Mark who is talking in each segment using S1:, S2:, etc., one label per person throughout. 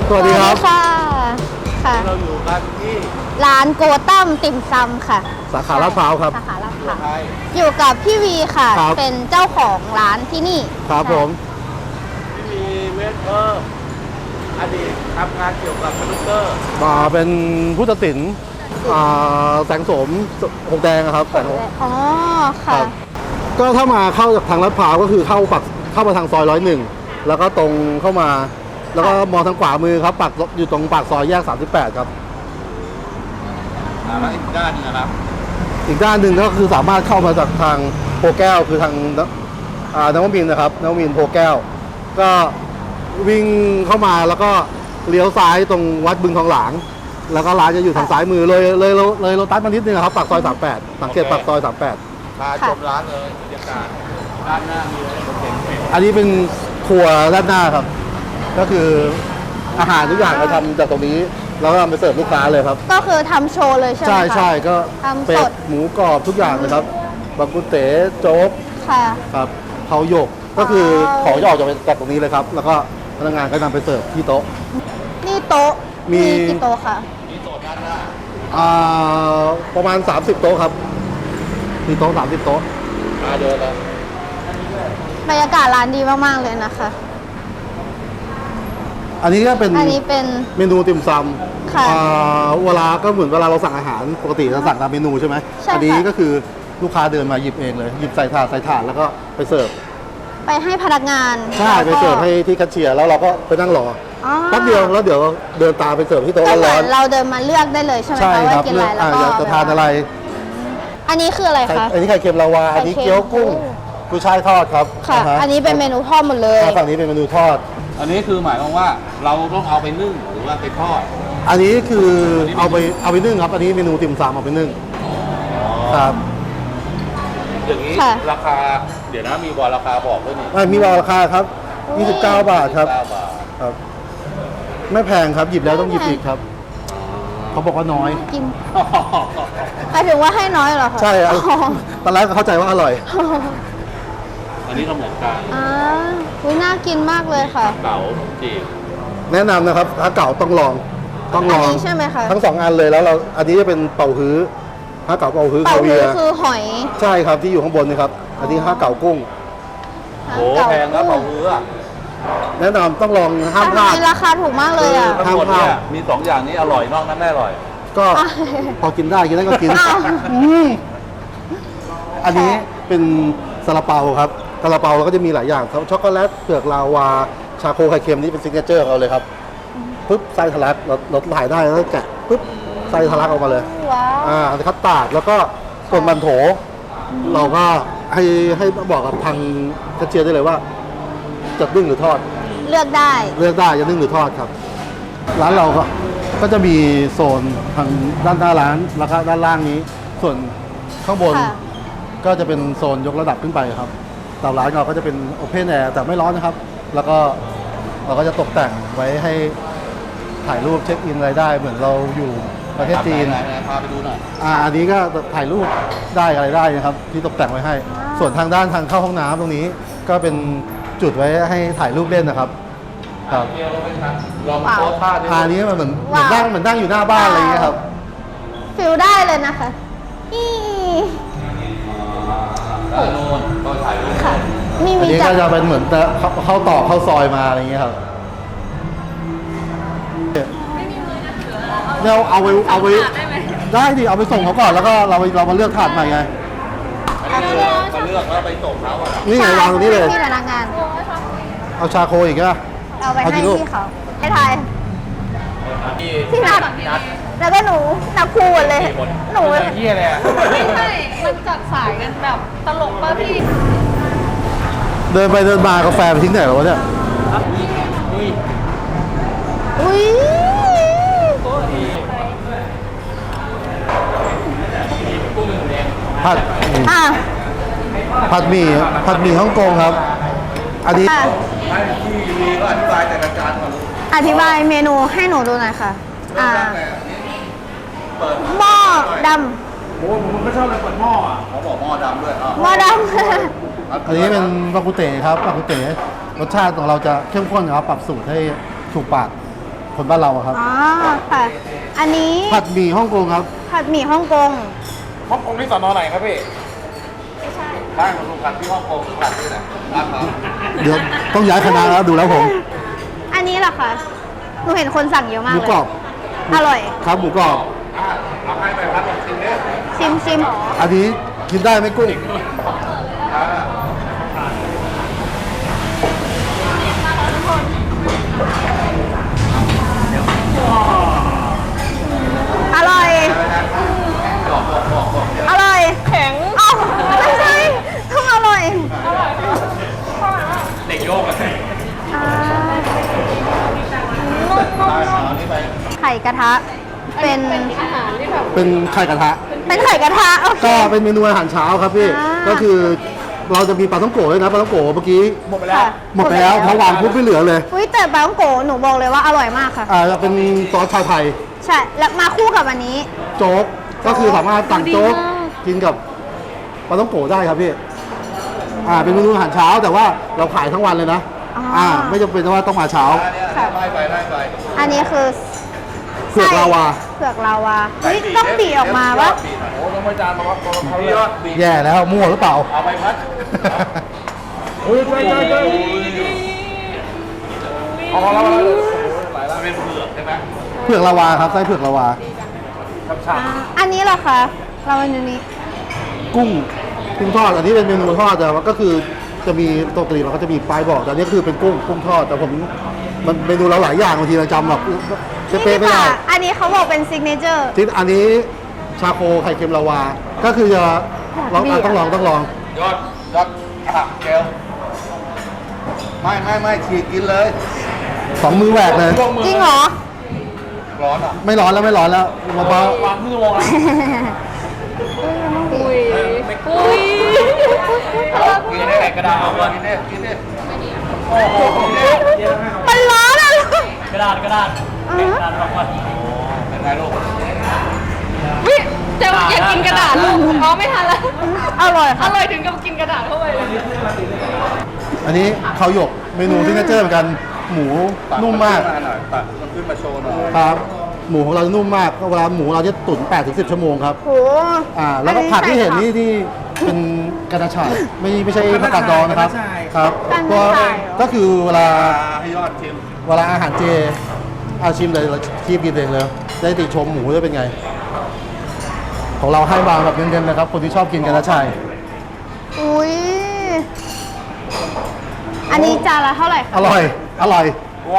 S1: สวัสดีครับ
S2: ค่ะค่ะ
S3: เราอยู่กันที่
S2: ร้านโกตั้มติ่มซำค่ะ
S1: สาขาลาดพร้าวครับ
S2: สาขาลาดพร้าว
S3: ไทย
S2: อยู่กับพี่วีค่ะ
S1: ครับ
S2: เป็นเจ้าของร้านที่นี่
S1: ครับผม
S3: ที่มีเวทเออร์อดีตทำงานเกี่ยวกับคอมพิวเตอร์
S1: เป็นผู้ตัดสินแสงโสมหงแดงครับแสงโสม
S2: อ๋อ
S1: ครั
S2: ค่ะ
S1: บ ก็ถ้ามาเข้าจากทางลาดพร้าวก็คือเข้ามาทางซอย101แล้วก็ตรงเข้ามา แล้วก็มองทางขวามือครับปักอยู่ตรงปากซอยแยก38ครับ
S3: แล้วอีกด้านหนึงนะครับ
S1: อีกด้านหนึ่งก็คือสามารถเข้ามาจากทางโพแก้วคือทางนวมินทร์นะครับนวมินทร์โพแก้ว ก็วิ่งเข้ามาแล้วก็เลี้ยวซ้ายตรงวัดบึงทองหลาง แล้วก็ร้านจะอยู่ทางซ้ายมือเลยโลตัสมานิดนึงครับปากซอย38สังเกตปากซอย38
S3: พาชมร้านเลยบรรยากาศด้านหน้ามีอะไรเห็น
S1: อันนี้เป็นครัวด้านหน้าครับ ก็คืออาหารทุกอย่างเราทำจากตรงนี้แล้วก็นำไปเสิร์ฟลูกค้าเลยครับ
S2: ก็คือทำโชว์เลยใช่ไหมคะ
S1: ใช่ก็
S2: ทำ
S1: เป็
S2: ส
S1: ด
S2: ด
S1: หมูกรอบทุกอย่างเลยครับบางกุเต๋โจ๊ก
S2: ค่ะ
S1: ครับเผาหยกก็คือของจะออกจากตรงนี้เลยครับ แล้วก็พนักงานก็นำไปเสิร์ฟที่โต๊ะ
S2: นี่โต๊ะ
S1: มี
S2: กี่โต๊ะคะ
S3: มีโซนด้านหน้า
S1: ประมาณ30โต๊ะครับมีโต๊ะ30โต๊ะ
S3: มาเดินเลย
S2: บรรยากาศร้านดีมากๆเลยนะคะ
S1: อันนี้ก็เป็น
S2: อันนี้เป็น
S1: เมนูติ่มซ
S2: ค่ะ
S1: ำเวลาก็เหมือนเวลาเราสั่งอาหารปกติเราสั่งตามเมนูใช่ไหม
S2: ใช่ค่ะ
S1: อันี้ก็คือลูกค้าเดินมาหยิบเองเลยหยิบใส่ถาดแล้วก็ไปเสิร์ฟ
S2: ไปให้พนักงาน
S1: ใช่ไปเสิร์ฟให้ที่แคชเชียร์แล้วเราก็ไปนั่งรอ
S2: อ๋อ
S1: แป๊บเดียวแล้วเดี๋ยวเดินตามไปเสิร์ฟที่โต๊ะ
S2: ก็เหมื
S1: ร้
S2: อ
S1: อน น
S2: เราเดินมาเลือกได้เลยใช่ไหม
S1: ใช่
S2: คะ
S1: ค
S2: ว่า
S1: รับ
S2: กินอะไรแล้วก็
S1: อยากจะทานอะไร
S2: อันนี้คืออะไรคะ
S1: อันนี้ไข่เค็มลาวา อันนี้เกี๊ยวกุ้งกุ้ยช่ายทอดครับ
S2: ค่ะ
S1: าฮ
S2: อันนี้เป็นเมนูทอดหมดเลย
S1: ฝั่งนี้เป็นเมนูทอด
S3: อันนี้คือหมายความว่าเราต้องเอาไปนึ่งหรือว่าไปทอด
S1: อันนี้คือเอาไปนึ่งครับ อันนี้เมนูติ่มซำเอาไปนึ่งครับ
S3: อย่างนี้
S2: ค่ะ
S3: ราคาเดี๋ยวนะมีบอลราคาบอกด้วยนี่
S1: มีราคาครับ 29 บาทครับ
S3: 9 บาท
S1: ครับ ไม่แพงครับ หยิบแล้วต้องหยิบอีกครับ เขาบอกว่าน้อย
S2: กินหมายถึงว่าให้น้อยเหรอคะ
S1: ใช่ครับ
S2: อ๋อ
S1: ตอนแรกก็เข้าใจว่าอร่อย
S3: อันนี้ก็เหมือนกัน
S2: อ่าอุ๊ยน่ากินมากเลยค่ะ
S3: เก๋าจีบ
S1: แนะนำนะครับ ถ้าเก่าต้องลอง ต้องลอง
S2: อันนี้ใช่ไหมคะ
S1: ทั้ง2อันเลยแล้วเรา อันนี้จะเป็นเป่าฮื้อถ้าเก่าเป่าฮื้อ
S2: เป่า
S1: คาเวี
S2: ฮื้
S1: ย
S2: อ
S1: ร์
S2: คือหอย
S1: ใช่ครับที่อยู่ข้างบนนี่ครับ อันนี้ห้าเก่ากุ้ง
S3: โหแพงนะเผาฮื้ออะ
S1: แนะนำต้องลองห้าม
S2: ทำ
S1: พ
S2: ไม
S1: ลาด
S2: ราคาถูกมากเลยอ่ะ
S3: ทั้งหมดเนี่ยมี2อย่างนี้อร่อยนอกนั้นไม่อร่อย
S1: ก็พอกินได้กินก็กิน
S2: อ้าว
S1: อืมอันนี้เป็นซาลาเปาครับซาลาเปาเราก็จะมีหลายอย่างครับช็อกโกแลตเผือกลาวาชาโคไข่เค็มนี่เป็นซิกเนเจอร์ของเราเลยครับปุ๊บไส้ทะลักเราถ่ายได้แล้วแกะปุ๊บไส้ทะลักออกมาเลย
S2: ว้าว
S1: อันนี้คัตตาร์ดแล้วก็ส่วนมันโถ เราก็ให้บอกกับทางแคชเชียร์ได้เลยว่าจะนึ่งหรือทอด
S2: เลือกได้
S1: เลือกได้จะนึ่งหรือทอดครับ ร้านเราก็จะมีโซนทางด้านหน้าร้านแล้วก็ด้านล่างนี้ ส่วนข้างบน
S2: ค่ะ
S1: ก็จะเป็นโซนยกระดับขึ้นไปครับแต่ร้านเราก็จะเป็นโอเพนแอร์แต่ไม่ร้อนนะครับ แล้วก็เราก็จะตกแต่งไว้ให้ถ่ายรูปเช็คอินอะไรได้ เหมือนเราอยู่ประเทศจีน
S3: ไหนพาไปดูหน่อย
S1: อันนี้ก็ถ่ายรูปได้อะไรได้นะครับ ที่ตกแต่งไว้ให้ ส่วนทางด้านทางเข้าห้องน้ำตรงนี้ ก็เป็นจุดไว้ให้ถ่ายรูปเล่นนะครับครับ
S3: เที่ยวเราไปทานลองโพสท่าดิ
S1: อันนี้มันเหมือน
S2: ว้าว
S1: นั่งอยู่หน้าบ้านอะไรอย่างเงี้ยครับ
S2: ฟิลได้เลยนะคะอี
S3: ด้านโน้นก็ถ่ายรูป
S2: ค่ะ มี
S1: อัน
S2: มี
S1: นี้
S2: จั
S1: ก็
S2: ด
S1: จะเป็นเหมือนเข้าต่อเข้าซอยมาอะไรอย่างเงี้ยครับเราเอาไปได้ดิเอาไปส่งเขาก่อนแล้วก็เรามาเลือกถาดใหม่ไง
S3: อันนี้คือมาเลือกแล้วไปส่งเขาอะ
S1: นี่ไงวางตรงนี้เลย
S2: ที่พนักงาน
S1: เอาชาโคอีกนะ
S2: เอาไป
S1: เอา
S2: ให้
S1: กี่ลูก
S2: พี่เขาให้ทาย
S3: ที่
S2: พี่นัดแล้วก็หนูนับคู่หมดเลย หนู
S3: เที่ยเลยอะ
S4: ไม่ใช่ มันจัดสายกันแบบตลกป่ะพี่
S1: เดินไปเดินมากาแฟไปทิ้งไหนวะเนี่ย
S2: อุ้ย
S1: ผัด
S2: อ่ะ
S1: ผัดหมี่ฮ่องกงครับ อันนี้
S2: อ่ะ
S3: ให้ที่วีก็อธิบายแต่ละจานก่อนลูก
S2: อธิบายเมนูให้หนูดูหน่อยค่ะ
S3: เริ่มแรกเลยเปิด
S2: หม้อด
S3: โอ้ผมก็ชอบเลยเปิดหม้ออ่ะเขาบอกหม้อดำด้วย
S2: ำหม้อด
S1: อันนี้เป็นปากุเต๋ครับปากุเต๋รสชาติของเราจะเข้มข้นครับปรับสูตรให้ถูกปากคนบ้านเราอะครับ
S2: อ๋อค่ะ อันนี้
S1: ผัดหมี่ฮ่องกงครับ
S2: ผัดหมี่ฮ่องกง
S3: ฮ่องกงที่สอนอไหนครับพี่ไม่ใช่บ้านของลุงผัดที่ฮ่องกงผัดที่ไหนร้านเขา
S1: เดี๋ยวต้องย้ายคณะแล้วดูแล้วผม
S2: อันนี้เหรอคะหนูเห็นคนสั่งเยอะ
S1: ห
S2: มาก
S1: มู
S2: เลย
S1: กรอบ
S2: อร่อย
S1: ครับหมูกรอบ
S3: เอาให้ไปพัดลองชิมเนี่ย
S2: ชิม
S1: อันนี้กินได้ไหมกุ้ง
S2: อร่อย อร่อย
S4: แข็ง
S2: เอ้าไม่ใช่ต้องอร่อย
S3: เด็กโยกอะ
S2: อ่า ไข่กระทะ เป็น
S4: อาหารที่แบบ
S1: เป็นไข่กระทะ
S2: เป็นไข่กระทะ โอเค
S1: ก็เป็นเมนูอาหารเช้าครับพี่
S2: อ่า
S1: ก็คือเราจะมีปลาท่องโกะด้วยนะปลาท่องโกะเมื่อกี้
S3: หมดไปแล้ว
S2: ค่ะ
S1: หมดไปแล้วเพราะวางปุ๊บไม่เหลือเลย
S2: อุ้ยแต่ปลาท่องโกะหนูบอกเลยว่าอร่อยมากค่ะ
S1: จะเป็นซอสชาไทย
S2: ใช่ แล้วมาคู่กับอันนี้
S1: โจ๊ก ก็คือสามารถสั่งโจ๊กกินกับปลาท่องโกะได้ครับพี่ เป็นเมนูอาหารเช้าแต่ว่าเราขายทั้งวันเลยนะ
S2: อ๋อ
S1: ไม่จำเป็นว่าต้องมาเช้า
S2: ค่ะ
S3: ไล่ไปไล่ไป
S2: อันนี้คือ
S1: เผือกลาวา
S2: เผือกลาวาอุ้ยต้องบีออกมาปะ
S3: โอ้ต้องไปจานมาว่าเขายอดบี
S1: แย่แล้วมั่วหรือเปล่า
S3: เอาไปพัดเฮ้ยใช่เอาแล้วหลายแล้วเป็นเผือกใช่ไหม
S1: เผือกลาวาครับไส้เผือกลาวา
S3: ช่ำ
S2: อันนี้เหรอคะเราอันนี้
S1: กุ้งทอด อันนี้เป็นเมนูทอดแต่ว่าก็คือจะมีปกติเราก็จะมีป้ายบอกแต่อันนี้คือเป็นกุ้งทอด แต่ผมมันเมนูเราหลายอย่างบางทีเราจำแบบเป๊ะๆไม่ได้
S2: อันนี้เขาบอกเป็นซิกเนเจอร์
S1: ที่อันนี้ชาโคไข่เค็มลาวา ก็คือจะลองต้องลอง
S3: ยอดผักเกลไม่ฉีกกินเลย
S1: สองมือแหวกเลย
S2: จริงเหรอ
S3: ร้อนอ่ะ
S1: ไม่ร้อนแล้วเบาว
S3: างครึ่งชั่วโมงแล้ว
S4: อุ้ยอุ้ย
S3: กินได้กระดาษเอากินได้โอ้โห
S2: มันร้อนอะ
S3: กระดาษกระดาษบอกว่าเป็นไงลูก
S4: วิจะอยากกินกระดาษลูกอ๋อไม่ทันแล้ว
S2: อร่อย
S4: อ
S2: ค่ะ
S4: ร่อยถึงกับกินกระดาษเข้าไปเลย
S1: ๆอันนี้ข้าวหยกเมนูซิกเนเจอร์เหมือนกันหมูนุ่มมาก
S3: ตัดมันขึ้นมาโชว์หน่อย
S1: ครับ หมูของเราจะนุ่มมากเวลาหมูเราจะตุ๋น 8-10 ชั่วโมงครับ
S2: โห
S1: แล้วก็ผักที่เห็นนี่ที่เป็นกระชายไม่ใช่ผักกาดดองนะครับครับก็คือเวลา
S3: ให้ยอดชิม
S1: เวลาอาหารเจชิมเลยเราคีบกินเองเลยได้ติชมหมูจะเป็นไง ของเราให้มาแบบเน้นๆนะครับ คนที่ชอบกินกระชาย
S2: อุ้ยอันนี้จานละเท่าไหร่คะ
S1: อร่อย
S3: ร้อน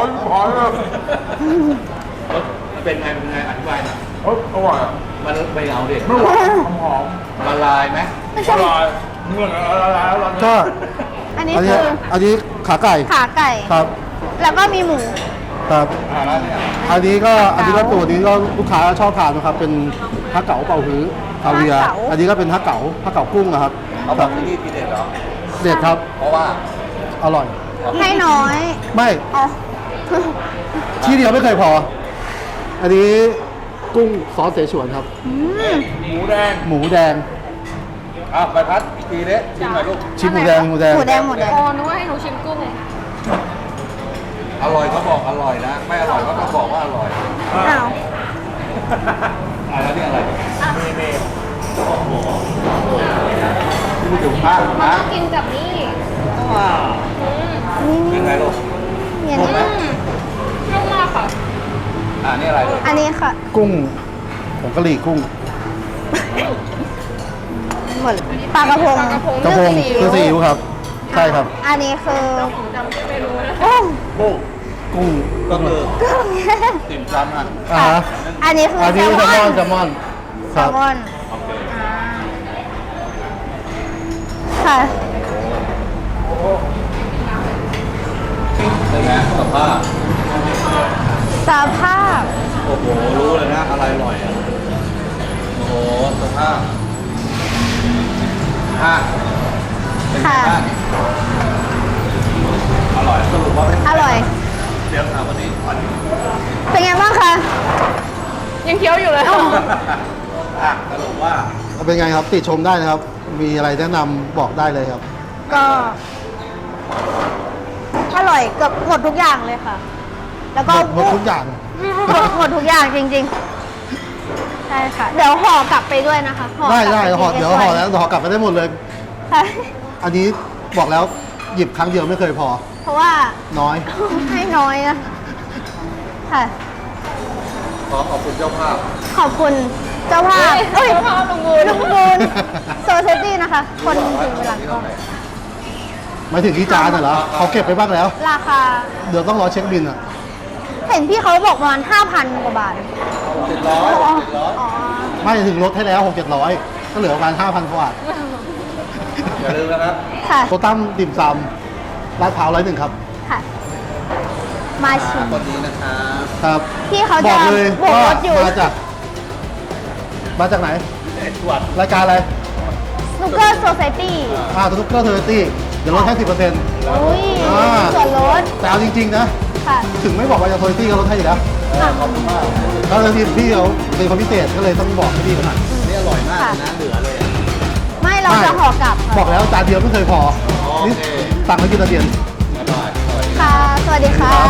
S3: เป็นไงอธิบายหน่อยอร่อยมันไปเอาดิไม่หวานหอมละลายไหมละลายเมื่อละลายแล้ว
S1: ก็
S2: อันนี้
S1: อัน
S2: คื
S1: นี้
S2: อ
S1: อันนี้ขาไก่
S2: ขาไก่
S1: ครับ
S2: แล้วก็มีหมู
S1: ครับ
S3: แล้วเนี่ย
S1: อันนี้ก็ตัวนี้ก็ลูกค้าชอบทานนะครับ เป็นฮักเก๋าเป่าฮื้อคาเวียร์อันนี้ก็เป็นฮักเก๋ากุ้งนะครับ
S3: เขาบอกที่นี่ทีเด็ดเหรอ
S1: เด็ดครับ
S3: เพราะว่า
S1: อร่อย
S2: ให้น้อย
S1: ไม่
S2: อ๋อ
S1: ที่เดียวไม่เคยพอ อันนี้กุ้งซอสเสฉวนครับ
S3: หมูแดง
S1: หมูแดง
S3: ไปพัดอีกทีเนี้ยชิมหน่อยลูก
S1: ชิมหมูแดง
S2: หมูแดง
S4: อ๋อนึกว่าให้หนูชิมกุ้ง
S3: อร่อยก็บอกอร่อยนะ ไม่อร่อยก็ต้องบอกว่าอร่อย
S2: อ้าว
S3: แล้วนี่อะไรเมย์โอ้โหที่ไม่ถึงมาก
S4: มัน
S3: นะ
S4: ต้องกินกับนี่
S3: ยังไงลูก
S2: เนี่ยนี่
S4: นุ่มมากค่ะ
S3: นี่อะไรลูก
S2: อันนี้ค่ะ
S1: กุ้งผงกะหรี่กุ้ง
S2: หมดปลากระพง
S1: กระพงเครื่องซีอิ๊วครับ ใช่ครับ
S2: อันนี้คือ
S4: ผมจำชื่อเมนูนะ
S2: กุ้ง
S3: กุ้ง
S1: กุ้ง
S3: ก็คือ
S2: กุ้ง
S3: ติ่มซำอ่ะ
S1: อ่าฮะ
S2: อันนี้คือ
S1: อัน
S2: แซ
S1: นี้
S2: ลม
S1: แซลม
S2: อ
S1: อน นแซลมอน
S2: แซ
S1: ครับ
S2: ลมอน
S3: โอเค
S2: ค่ะ
S3: เป็นไงสภาพ
S2: สภาพ
S3: โอ้โห รู้เลยนะอะไรอร่อยอ่ะ โอ้โหสภาพเป็นไงบ้างอร่อยสรุปว่าเป็น
S2: อร่อย
S3: เดี๋ยวถามวันนี้
S2: เป็นไงบ้างคะ
S4: ยังเคี้ยวอยู่เลย
S3: สรุปว่า
S1: เป็นไงครับ ติชมได้นะครับ มีอะไรแนะนำบอกได้เลยครับ
S2: ก็อร่อยเกือบหมดทุกอย่างเลยค่ะ แล้วก็
S1: หมดทุกอย่าง
S2: หมดทุกอย่างจริงๆ ใช่ค่ะ เดี๋ยวห่อกลับไปด้วยนะคะห่อกลับ
S1: ได้
S2: ไป
S1: ห่อ
S2: ที่
S1: เดี๋ยวห่อแล้วห่อกลับไปได้หมดเลย
S2: ใช่
S1: อันนี้บอกแล้วหยิบครั้งเดียวไม่เคยพอ
S2: เพราะว่า
S1: น้อย
S2: ให้น้อยนะค่ะ
S3: ขอขอบคุณเจ้าภาพ
S2: ขอบคุณเจ้าภาพ
S4: เฮ้ยเจ้าภาพลุงบูน
S2: ลุงบูนโซเซตี้นะคะ คนถึงเวลาก็
S1: หมายถึงที่จานน่ะเหรอเขาเก็บไปบ้างแล้ว
S2: ราคา
S1: เดี๋ยวต้องรอเช็คบินอ่ะ
S2: เห็นพี่เขาบอกประมาณ 5,000 กว่าบาท
S3: 700
S2: อ๋อ
S3: 700
S2: อ๋อ
S1: ไม่ถึงลดให้แล้ว600-700ก็เหลือประมาณ 5,000กว่าบาท
S3: อย่าลืมนะครับ
S2: ค่ะ
S1: โตตั้มติ่มซำลาดพร้าว101ครับ
S2: ค่ะ มาชิม
S3: คนนี้นะครับ
S1: ครับ
S2: พี่เขา
S1: บ
S2: จะ
S1: อกเลย
S2: โบก
S1: ว่าร
S2: ถอยู่
S1: มาจากไหน
S3: ตรวจ
S1: รายการอะไร
S2: สนุกเกอร์โซเซตี้
S1: ทุกเกอร์เทอร์ตี้เดี๋ยวลดให้ 10%
S2: อุ้ย
S1: อ่า
S2: ส่วนลด
S1: แต่เอาจริง ๆ นะ
S2: ค่ะ
S1: ถึงไม่บอกว่าจะเทอร์ตี้ก็ลดให้อยู่แล้ว
S2: ค่ะ
S1: แล้วทีมพี่เขาเป็นคนพิเศษก็เลยต้องบอกให้พี่เขาหน่อย
S3: นี่อร่อยมากเลยนะ เหลือเลยอ่ะ
S2: ไม่เราจะห่อกลับค่ะ
S1: บอกแล้วจานเดียวไม่เคยพอ
S3: โอเค
S1: นี่สั่งมากินตะเดียน
S3: อร่อยอร่อย
S2: ค่ะ สวัสดีค่ะ